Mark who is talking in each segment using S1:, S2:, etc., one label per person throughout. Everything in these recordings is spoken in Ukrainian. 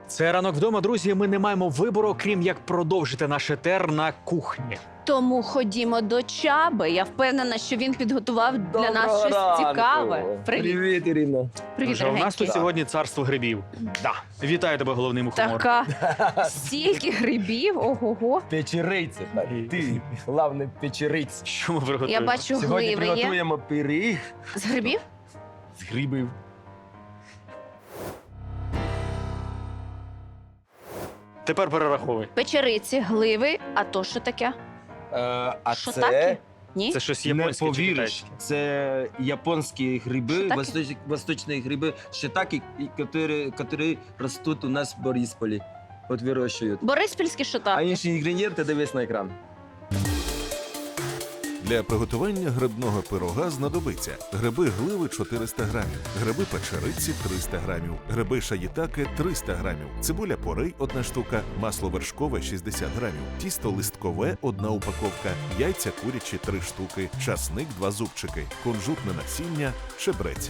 S1: Це «Ранок вдома», друзі. Ми не маємо вибору, крім як продовжити наш етер на кухні.
S2: Тому ходімо до Чаби. Я впевнена, що він підготував для нас щось цікаве. Привіт.
S3: Привіт, Ірина.
S2: Привіт,
S1: Вже у нас тут
S2: дорогенький.
S1: сьогодні царство грибів. Да. Вітаю тебе, головний мухомор.
S2: Така стільки грибів, ого-го.
S3: Печериці. Ти, головне, печериць.
S1: Що ми приготуємо?
S2: Я бачу
S3: Сьогодні
S2: гливи є.
S3: приготуємо пиріг
S2: З грибів?
S3: з грибів.
S1: Тепер перераховуй.
S2: Печериці, гливи. А то що таке?
S3: А
S2: Що
S3: це,
S2: таке? Ні?
S1: Це щось
S3: не
S1: японське чи
S3: повіриш,
S1: китайське?
S3: це японські гриби,
S2: Шитаки?
S3: восточні гриби, шитаки, які ростуть у нас в Борисполі. От вирощують.
S2: Бориспільські
S3: А
S2: шотаки.
S3: інші інгредієнти дивись на екран.
S4: Для приготування грибного пирога знадобиться гриби гливи 400 грамів, гриби печериці 300 грамів, гриби шаїтаке 300 грамів, цибуля порей 1 штука, масло вершкове 60 грамів, тісто листкове 1 упаковка, яйця курячі 3 штуки, часник 2 зубчики, кунжутне насіння, чебрець.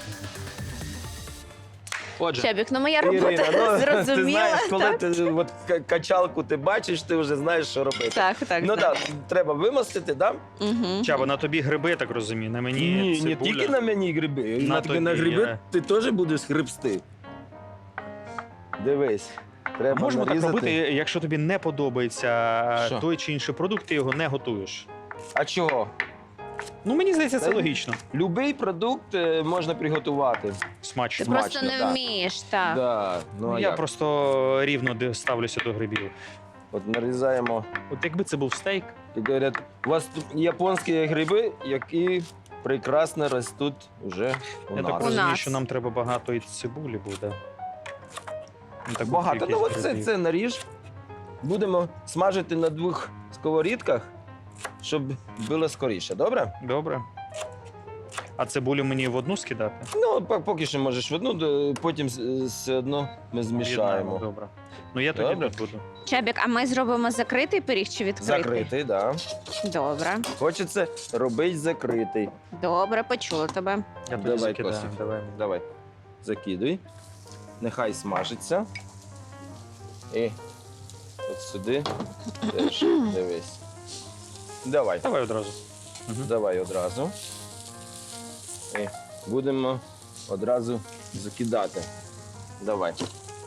S1: Отже,
S2: Чабік, ну моя робота
S3: Ірина, ти
S2: зрозуміла.
S3: знаєш, коли
S2: Так,
S3: ти от качалку ти бачиш, ти вже знаєш, що робити.
S2: так.
S3: Ну
S2: так.
S3: так, треба вимостити, так?
S2: Угу.
S1: Чаба, на тобі гриби, я так розумію, на мені
S3: Ні, не
S1: цибуля.
S3: тільки на мені гриби.
S1: На
S3: На
S1: тобі,
S3: гриби ти теж будеш грибсти. Дивись. Треба
S1: Можемо так
S3: нарізати.
S1: робити, якщо тобі не подобається
S3: Що?
S1: той чи інший продукт, ти його не готуєш.
S3: А чого?
S1: Ну, мені здається, це
S3: Та-
S1: логічно.
S3: Любий продукт можна приготувати.
S1: Смачно.
S2: Ти просто не
S3: так.
S2: вмієш, так.
S3: Да. Ну,
S1: Ну,
S3: а
S1: я
S3: як?
S1: просто рівно ставлюся до грибів.
S3: От нарізаємо.
S1: От якби це був стейк,
S3: І говорять, у вас тут японські гриби, які прекрасно ростуть вже у
S1: я так
S3: нас.
S1: розумію,
S2: нас.
S1: що нам треба багато і цибулі буде. Ну, таку
S3: Багато. Ну
S1: кількість
S3: от це,
S1: грибів.
S3: це наріж. Будемо смажити на 2 сковорідках, щоб було скоріше, добре?
S1: Добре. А цибулю мені в одну скидати?
S3: Ну, поки що можеш в одну, потім все одно ми
S1: Об'єднаємо,
S3: змішаємо.
S1: Добре. Ну я тоді
S3: Добре.
S1: тут буду.
S2: Чабік, а ми зробимо закритий пиріг чи відкритий?
S3: Закритий, так. Да.
S2: Добре.
S3: Хочеться робити закритий.
S2: Добре, почула тебе.
S1: Я тоді
S3: Давай,
S1: закидаю.
S3: Костя.
S1: Давай.
S3: Давай, закидуй. Нехай смажиться. І от сюди теж дивись. Давай,
S1: Давай одразу. Мгм.
S3: давай одразу. І будемо одразу закидати. Давай.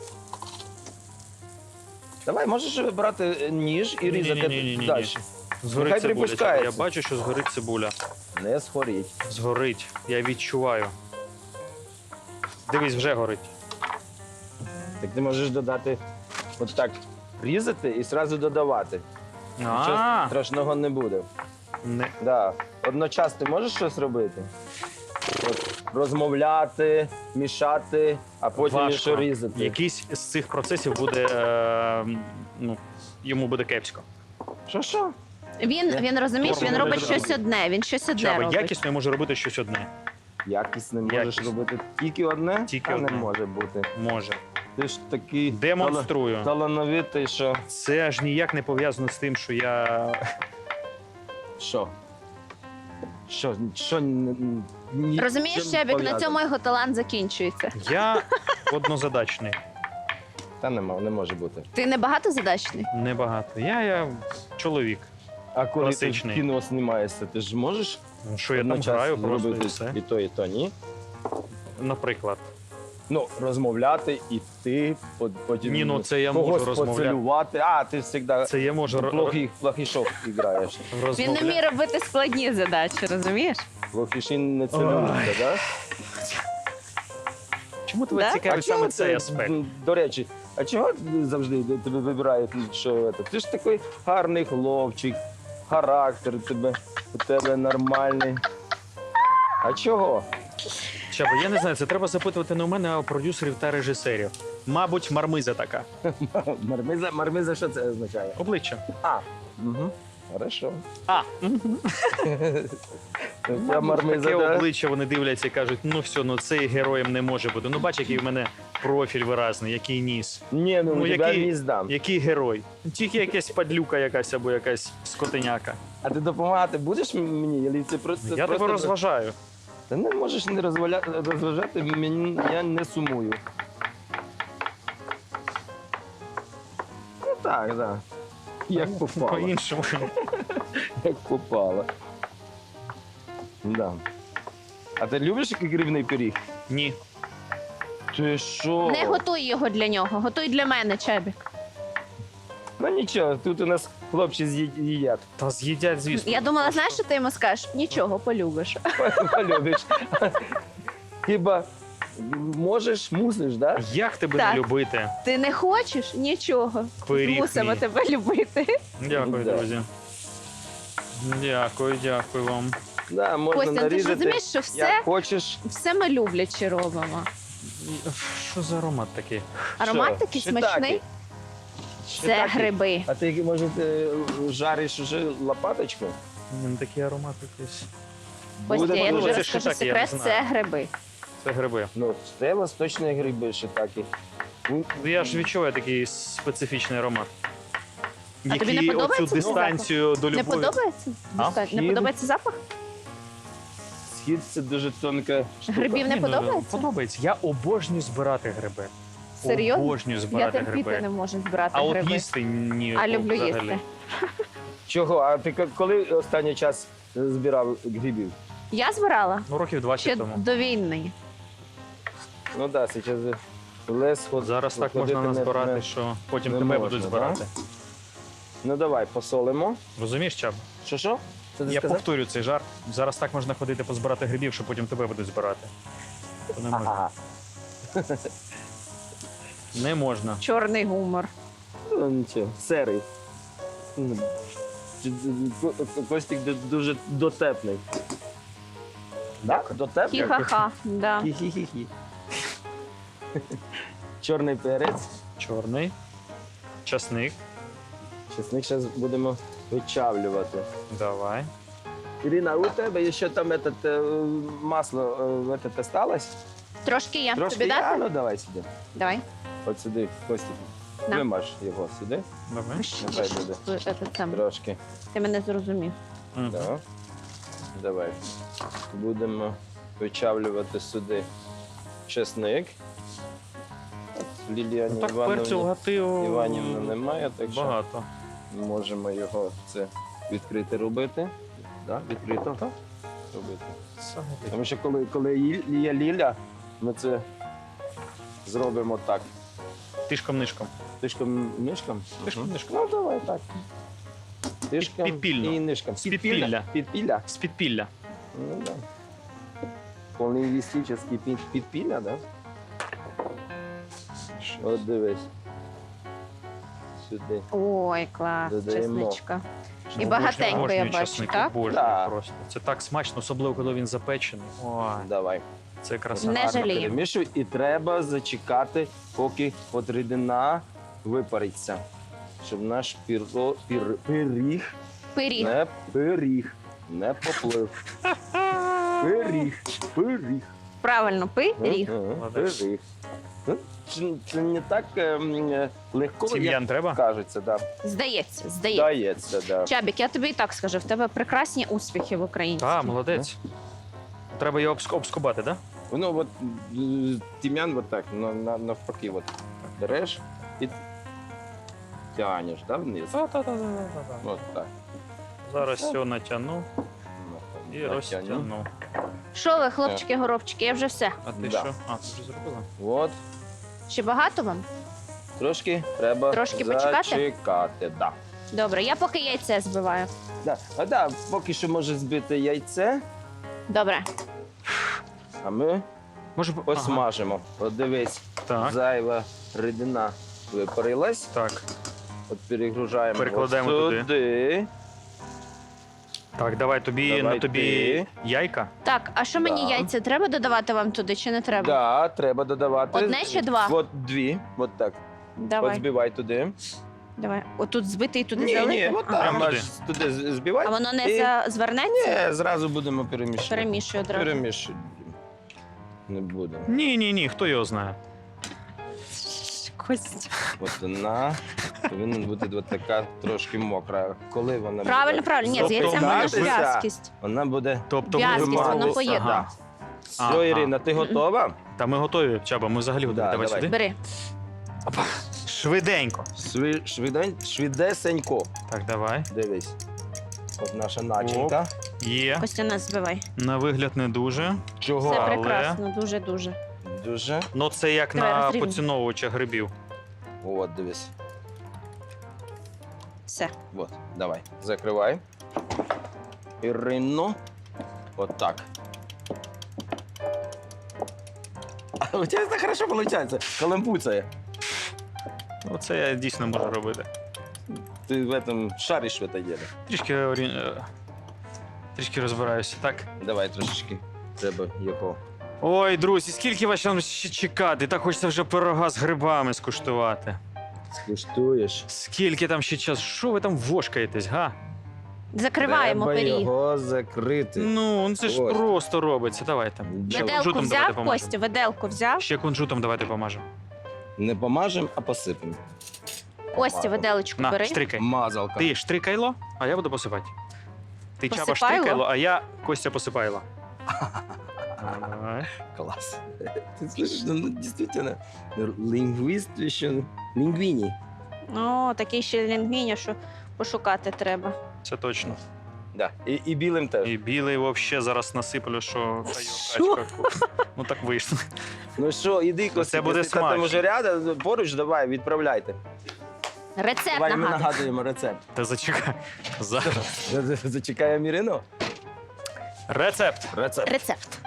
S3: Давай, можеш брати ніж і різати
S1: Ні-ні-ні-ні-ні.
S3: далі.
S1: Згорить
S3: Нехай
S1: цибуля.
S3: припускається.
S1: Я бачу, що згорить цибуля.
S3: Не схоріть.
S1: Згорить. Я відчуваю. Дивись, вже горить.
S3: Так ти можеш додати от так різати і одразу додавати. Нічого
S1: А,
S3: страшного не буде.
S1: не.
S3: Да. Одночасно ти можеш щось робити? От, розмовляти, мішати, а потім
S1: Важко.
S3: ще різати.
S1: Якийсь з цих процесів буде, ну, йому буде кепсько.
S3: Що?
S2: Він розумієш, він
S1: Форму
S2: робить
S1: не
S2: щось
S1: зробить.
S2: одне. Він щось одне
S1: Чаба,
S2: робить.
S1: якісно я можу робити щось одне.
S3: Якість не можеш
S1: Якість.
S3: робити тільки одне?
S1: Тільки
S3: а
S1: одне.
S3: не може бути.
S1: Може.
S3: Ти ж такий
S1: Демонструю.
S3: талановитий, що.
S1: Це аж ніяк не пов'язано з тим, що я.
S3: Що? Що ні-
S2: Розумієш,
S3: чим
S2: Чабік, на
S3: пов'язано?
S2: цьому його талант закінчується.
S1: Я однозадачний.
S3: Та не може бути.
S2: Ти не багатозадачний?
S1: Небагато. Я чоловік.
S3: А коли
S1: Класичний.
S3: ти в кіно знімаєшся, ти ж можеш
S1: Ну, що я там
S3: одночасно
S1: граю, просто і
S3: робити
S1: все.
S3: і то, ні?
S1: Наприклад.
S3: Ну, розмовляти, іти, потім
S1: Ні, ну це я
S3: когось
S1: можу розмовляти.
S3: поцілувати. А, ти завжди
S1: Це я можу
S3: плохішов граєш.
S2: Він не
S1: розмовляти.
S2: вміє робити складні задачі, розумієш?
S3: Плохіші не цілуються, так?
S1: Чому тебе
S2: Да?
S1: цікавить саме цей аспект?
S3: До речі, а чого завжди тебе вибирають, що це? Ти ж такий гарний хлопчик, характер у тебе нормальний. А чого?
S1: Чаба, я не знаю, це треба запитувати не у мене, а у продюсерів та режисерів. Мабуть, мармиза така.
S3: Мармиза, що це означає?
S1: Обличчя.
S3: А, угу. Хорошо.
S1: А,
S3: Я мармиза,
S1: таке
S3: да?
S1: обличчя вони дивляться і кажуть, ну все, ну цей героєм не може бути. Ну бач, який в мене профіль виразний, який ніс.
S3: Ні, ну,
S1: Ну,
S3: тебе
S1: який-
S3: не здам.
S1: Який герой? Тільки якась падлюка якась або якась скотиняка.
S3: А ти допомагати будеш мені? Чи це просто,
S1: Я тебе розважаю.
S3: Та не можеш не розважати, мені, я не сумую. так, так. Як попало.
S1: По-іншому.
S3: Як попало. Да. А ти любиш грибний пиріг?
S1: Ні.
S3: Ти що?
S2: Не готуй його для нього, готуй для мене, Чебік.
S3: Ну нічого, тут у нас хлопці їдять.
S1: Та з'їдять, звісно.
S2: Я думала, знаєш, що ти йому скажеш? Нічого, полюбиш.
S3: Полюбиш. Хіба можеш, мусиш, да?
S1: Як тебе
S2: Так.
S1: не любити?
S2: Ти не хочеш? Нічого.
S1: Пиріг
S2: Мусимо
S1: мій.
S2: тебе любити.
S1: Дякую,
S3: Да.
S1: друзі. Дякую вам.
S3: Да, можна
S2: Костя, ти ж
S3: нарізати.
S2: розумієш, що все,
S3: Як хочеш.
S2: все ми люблячи робимо.
S1: Що за аромат такий?
S2: Аромат
S3: Що?
S2: такий
S3: Shiitake.
S2: смачний. Це
S3: Shiitake.
S2: гриби.
S3: А ти, може, ти жариш уже лопаточку?
S1: Він такий аромат якийсь.
S2: Костя, я
S3: Буде
S2: тобі
S1: це
S2: розкажу
S1: shiitake, я не
S2: секрет,
S1: знаю.
S2: це гриби.
S1: Це гриби.
S3: Ну, це восточні гриби shiitake. Ну,
S1: Ну, я ж відчуваю такий специфічний аромат.
S2: А тобі не
S1: Який
S2: подобається
S1: оцю дистанцію до
S2: Не
S1: любові.
S2: подобається?
S1: А?
S2: Достатньо. Не
S3: Схід?
S2: подобається запах?
S3: Схід це дуже тонка штука.
S2: Грибів не
S1: Ні, ну,
S2: подобається?
S1: Подобається. Я обожнюю збирати гриби.
S2: Серйозно?
S1: Обожнюю
S2: Я
S1: збирати
S2: терпіти
S1: гриби.
S2: не можу збирати
S1: А от
S2: гриби.
S1: їсти ні.
S2: А люблю
S1: взагалі.
S2: їсти.
S3: Чого? А ти коли останній час збирав грибів?
S2: Я збирала
S1: Ну, років 20
S2: ще
S1: тому.
S2: до війни.
S3: Ну так, да, зараз лес ход.
S1: Зараз так
S3: ходити
S1: можна назбирати,
S3: не-
S1: що потім
S3: не
S1: тебе
S3: можна,
S1: будуть
S3: да?
S1: збирати.
S3: Ну давай, посолимо.
S1: Розумієш, Чаб?
S3: Що? Це ти
S1: Я
S3: сказав?
S1: повторю цей жарт. Зараз так можна ходити позбирати грибів, що потім тебе будуть збирати. То не можна.
S3: Ага.
S1: Не можна.
S2: Чорний гумор.
S3: Ну нічого, серий. Костік дуже дотепний. Так? Дотепний?
S2: Хі-ха-ха. Да.
S3: Хі-хі-хі-хі. Чорний перець.
S1: Чорний. Часник.
S3: Чесник зараз будемо вичавлювати.
S1: Давай.
S3: Ірина, у тебе ще там масло осталось?
S2: Трошки є.
S3: Трошки
S2: Тобі
S3: є?
S2: дати?
S3: Ну давай сюди.
S2: Давай.
S3: От сюди, Костік.
S2: На.
S3: Вимаж його сюди.
S1: Давай.
S3: Нехай буде. Трошки.
S2: Ти мене зрозумів.
S1: Мгм.
S3: Так. Давай. Будемо вичавлювати сюди чесник. От Лілія
S1: Ну, так перцю гатив
S3: Іванівна немає, так що
S1: багато.
S3: можемо його це відкрити робити. Да? Відкрито робити. Тому що коли є Ліля, ми це зробимо так.
S1: Тишком-нишком.
S3: Тишком-нишком?
S1: Тишком-нишком.
S3: Ну, давай так. Тишком
S1: Підпільно.
S3: і нишком.
S1: З підпілля.
S3: Підпілля?
S1: З підпілля.
S3: Ну, да. Полінгвістичний підпілля, да? От дивись. Сюди.
S2: Ой, клас,
S3: Додаємо.
S2: чесничка. І
S1: Обожнюю-
S2: багатенько,
S1: обожнюю
S2: я бачу,
S1: часник,
S2: так?
S1: обожнюю
S3: Да.
S1: просто. Це так смачно, особливо коли він запечений. Ой,
S3: Давай.
S1: це краса.
S2: Не
S3: Гарно
S2: жаліємо.
S3: перемішуй. І треба зачекати, поки от рідина випариться. Щоб наш пиріг
S2: Пиріг.
S3: не поплив. Пиріг.
S2: Правильно, пиріг.
S1: Молодець.
S3: Пиріг. Ну, це не так легко, як
S1: Тім'ян треба?
S3: кажеться, да.
S2: Здається.
S3: Дається, да.
S2: Чабік, я тобі і так скажу, в тебе прекрасні успіхи в українській.
S1: Так, молодець. Треба його обскубати, так?
S3: Ну, от тім'ян от так, навпаки, от береш і тянеш, да, вниз.
S1: Так?
S3: От так.
S1: Зараз все натягну і
S3: Натягну.
S1: розтягну.
S2: Що ви, хлопчики-горобчики, я вже все.
S1: А ти
S3: Да.
S1: що? А, ти вже зробила?
S3: От,
S2: Ще багато вам?
S3: трошки треба
S2: Трошки почекати?
S3: зачекати, да.
S2: Добре, я поки яйце збиваю.
S3: Да. А да, поки що може збити яйце,
S2: Добре.
S3: а ми
S1: Може,
S3: посмажимо. От дивись,
S1: Так,
S3: зайва рідина випарилась.
S1: так.
S3: От перегружаємо
S1: Перекладаємо
S3: от
S1: туди.
S3: сюди.
S1: Так, давай тобі
S3: Давай
S1: на тобі
S3: ти.
S1: яйка.
S2: Так, а що мені
S3: Да.
S2: яйця треба додавати вам туди чи не треба?
S3: Да, треба додавати.
S2: Одне чи два?
S3: От дві, от так. От
S2: Давай,
S3: збивай туди.
S2: давай. Отут збити і туди
S3: Ні,
S2: залити?
S3: от
S2: Ага.
S3: там
S1: Прямо
S3: аж туди збивай.
S2: А воно не
S3: І-
S2: звернеться?
S3: Ні, зразу будемо перемішувати.
S2: Перемішую одразу.
S3: Перемішуй. Не будемо.
S1: Ні, хто його знає.
S2: Костя.
S3: От вона повинна бути от така трошки мокра. Коли вона
S2: Правильно,
S3: буде
S2: правильно. Ні, з яйцем воно ж
S3: готуватися,
S2: в'язкість.
S3: вона буде
S1: Тобто
S2: В'язкість, воно
S3: вимагатися.
S2: поєднано.
S3: Да. Все, Ірина, ти готова?
S1: Та ми готові, Чаба, ми взагалі готові.
S3: Да,
S1: Давай
S3: давай.
S1: сюди.
S2: Бери.
S1: Опа. Швиденько.
S3: Швидесенько.
S1: Так, давай.
S3: Дивись. От наша начинка.
S1: Є.
S2: Костя, нас збивай.
S1: На вигляд не дуже.
S3: Чого?
S2: Це
S1: але-
S2: прекрасно, дуже-дуже.
S3: Дуже.
S1: Ну це як
S2: Давай,
S1: на
S2: розрівнюй.
S1: поціновувача грибів.
S3: От, дивись.
S2: Все.
S3: Вот, давай. Закривай. Ірино. От так. А у тебе це хорошо виходить. Каламбуцає.
S1: Оце я дійсно можу робити.
S3: Ти в этом шариш в это дело.
S1: Трішки розбираюся, так?
S3: Давай трошечки. Треба його.
S1: Ой, друзі, скільки вас там ще чекати? Так хочеться вже пирога з грибами скуштувати.
S3: Скуштуєш.
S1: Скільки там ще час? Що ви там вошкаєтесь, га?
S2: Закриваємо
S3: Треба
S2: пиріг.
S3: його закрити.
S1: Ну це ж
S3: Ось.
S1: просто робиться. Давай там. Ще
S2: Виделку
S1: кунжутом давайте
S2: взяв,
S1: помажемо.
S2: Костя, виделку взяв.
S1: Ще кунжутом давайте помажемо.
S3: Не помажемо, а посипемо.
S2: Костя, виделочку
S1: На,
S2: бери.
S1: штрикай.
S3: Мазалка.
S1: Ти штрикайло, а я буду посипати. Ти Чаба
S2: Посипайло?
S1: штрикайло, а я Костя посипайло. Давай.
S3: Класс. Ты слышишь, ну действительно, лингвист еще, лингвини.
S2: О, такий ще лінгвіня, що пошукати треба.
S1: Це точно.
S3: Да. І білим теж.
S1: І білий взагалі зараз насиплю, що
S2: Що?
S1: качка. Ну так вийшло.
S3: Ну що, іди, Костя,
S1: буде
S3: якщо там
S1: смачно.
S3: уже рядом, поруч, давай, відправляйте.
S2: Рецепт
S3: Давай ми
S2: нагадую.
S3: нагадуємо рецепт.
S1: Та зачекай. Зараз.
S3: Зачекаємо Ірину.
S1: Рецепт.
S3: Рецепт.
S2: Рецепт.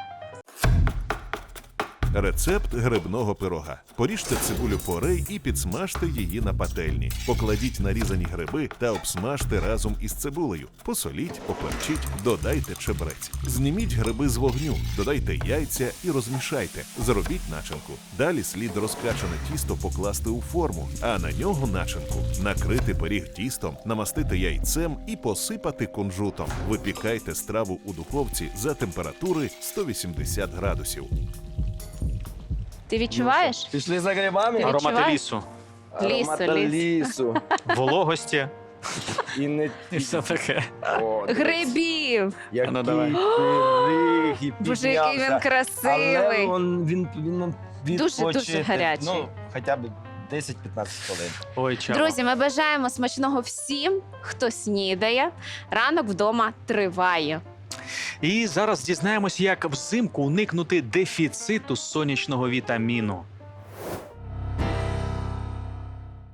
S4: Рецепт грибного пирога. Поріжте цибулю порей і підсмажте її на пательні. Покладіть нарізані гриби та обсмажте разом із цибулею. Посоліть, поперчіть, додайте чебрець. Зніміть гриби з вогню, додайте яйця і розмішайте. Зробіть начинку. Далі слід розкачане тісто покласти у форму, а на нього начинку. Накрити пиріг тістом, намастити яйцем і посипати кунжутом. Випікайте страву у духовці за температури 180 градусів.
S2: Ти відчуваєш?
S3: Пішли за грибами.
S2: Ти
S1: Аромати
S2: відчуваєш?
S1: лісу,
S3: Аромата
S2: ліс.
S3: лісу.
S1: вологості
S3: І не...
S1: і все таке.
S3: О, дивись,
S2: Грибів!
S3: Який
S1: Ну, давай.
S3: пиріг і
S2: Боже, який він
S3: піднявся.
S2: красивий.
S3: Але він
S2: Дуже-дуже
S3: відпочити,
S2: гарячий.
S3: Ну, хоча б 10-15 хвилин.
S1: Ой, Чаба.
S2: Друзі, ми бажаємо смачного всім, хто снідає. Ранок вдома триває.
S1: І зараз дізнаємось, як взимку уникнути дефіциту сонячного вітаміну.